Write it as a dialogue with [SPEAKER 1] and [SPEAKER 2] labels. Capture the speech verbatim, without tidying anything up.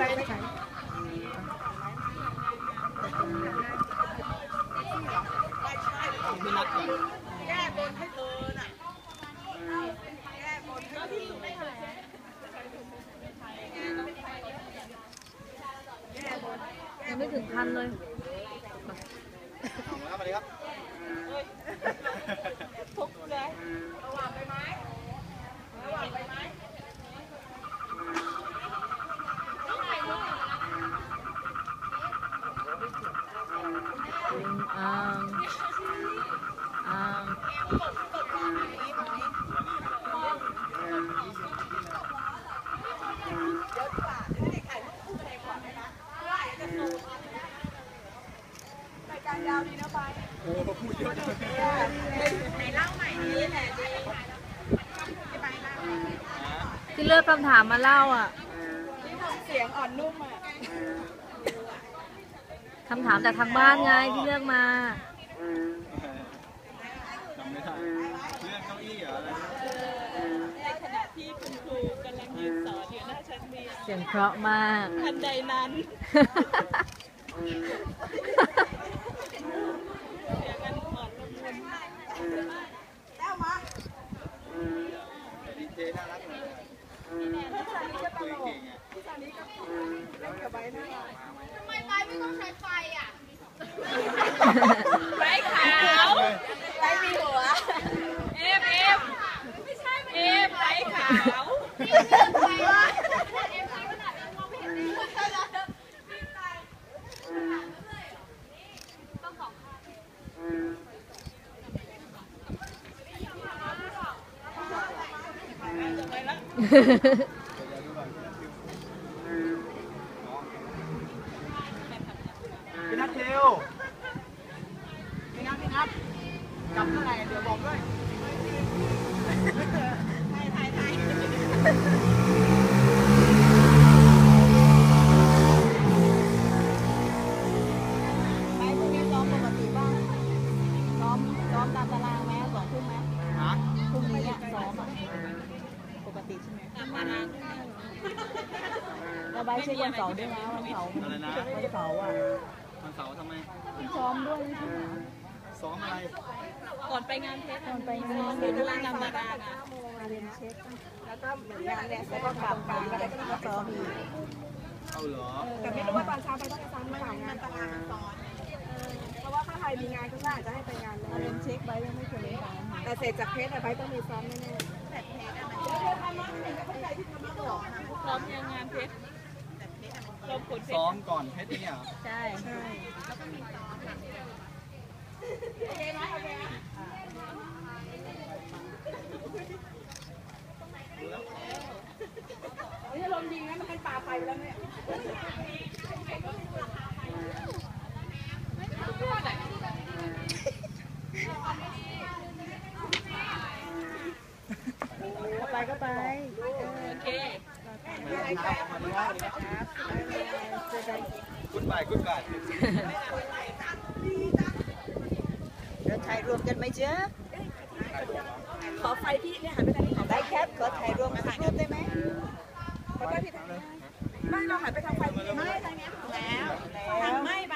[SPEAKER 1] ไปไปไหน
[SPEAKER 2] พี่นัดก่อน
[SPEAKER 1] แก้บนให้เธอน่ะแก้บนให้เธอ
[SPEAKER 3] ยังไม่ถึงพันเลย
[SPEAKER 2] มาเลยครับ
[SPEAKER 1] ทุกเลยระหว่างไปไหมระหว่างไปไหม
[SPEAKER 3] อ่างอ่าง
[SPEAKER 1] การยาวดีนะไปโอ้พูดเยอะไหนเล่าใหม่นี้แหละ
[SPEAKER 3] ที่เลือกคำถามมาเล่าอ่ะ
[SPEAKER 1] ที่ทำเสียงอ่อนนุ่มอ่ะ
[SPEAKER 3] คำถามจากทางบ้านไงที่เลือกมา
[SPEAKER 2] จำไม่ได้เรื่องเก้าอี้เหรออะไร
[SPEAKER 1] ในขณะที่คุณครูกำลังยืนสอนอยู่หน้าชั้นเรียน
[SPEAKER 3] เสียงเพราะมาก
[SPEAKER 1] ทันใดนั้น
[SPEAKER 2] ดีเจน่ารักเลย
[SPEAKER 1] พี่ซานีก็ตลกพี่ซานีก็เล่นกับใบหน้าทำไมใบไม่ต้องใช้ไฟอ่ะใบขาวใบมีหัวเอฟเอฟไม่ใช่เอฟใบขาวใบว่าเอฟใบขนาดนั้นมองไม่เห็นเลยต้องสองข้างไปแล้ว
[SPEAKER 2] พี่นัทเทล
[SPEAKER 1] พี่นัทพี่นัทกลับเมื่อไหร่เดี๋ยวบอกด้วยถ่ายถ่ายถ่ายไปพรุ่งนี้ซ้อมปกติบ้างซ้อมซ้อมตามตารางไหมสองทุ่มไหม
[SPEAKER 2] ฮะ
[SPEAKER 1] พรุ่งนี้ซ้อมอ่ะปกติใช่ไหมตามตารางเราไปเช็ควันเสาร์ด้วยนะวันเสาร์วันเสาร์อ่ะ
[SPEAKER 2] วันเสาร์ทำไม
[SPEAKER 1] ซ้อมด้วยใช่ไหม
[SPEAKER 2] ซ้อมอะไร
[SPEAKER 1] ก่อนไปงานเทสก่อนไปงานเดี๋ยวดูตามตารางอ่ะมาเรียนเช็คแล้วก็เหมือนงานเนี่ยแล้วก็กลับกันแล้วก็มาซ้อมอีก
[SPEAKER 2] เอาเหรอ
[SPEAKER 1] แต่ไม่รู้ว่าตอนเช้าไปต้องไปซ้อมเมื่อไหร่งานตารางซ้อนเพราะว่าถ้าใครมีงานก็น่าจะให้ไปงานมาเรียนเช็คไว้ยังไม่เคยเล่นแต่เสร็จจากเทสอะไปต้องมีซ้อมแน่ๆแต่เทสอะมันจะทำมาเห็นก็เข้าใจที่ทำมาหรอกซ้อมยังงานเทส
[SPEAKER 2] ซ้อมก่อนเพชรเนี่ย
[SPEAKER 1] ใช่ใช่แล้วก็มีซ้อมโอเคไหมโอเคไหมนี่ลมยิงนะมันเป็นป่าไฟแล้วเนี่ยไปก็ไปโอเค
[SPEAKER 2] คุณบ่ายคุณบ่าย
[SPEAKER 1] เดินถ่ายรวมกันไหมเจ๊ขอไฟพี่เนี่ยหันไปทางนี้ได้แคปขอถ่ายรวมถ่ายรูปได้ไหมขอได้พี่ทางนี้ไม่เราหันไปทางไฟไม่ทางนี้แล้วแล้วไม่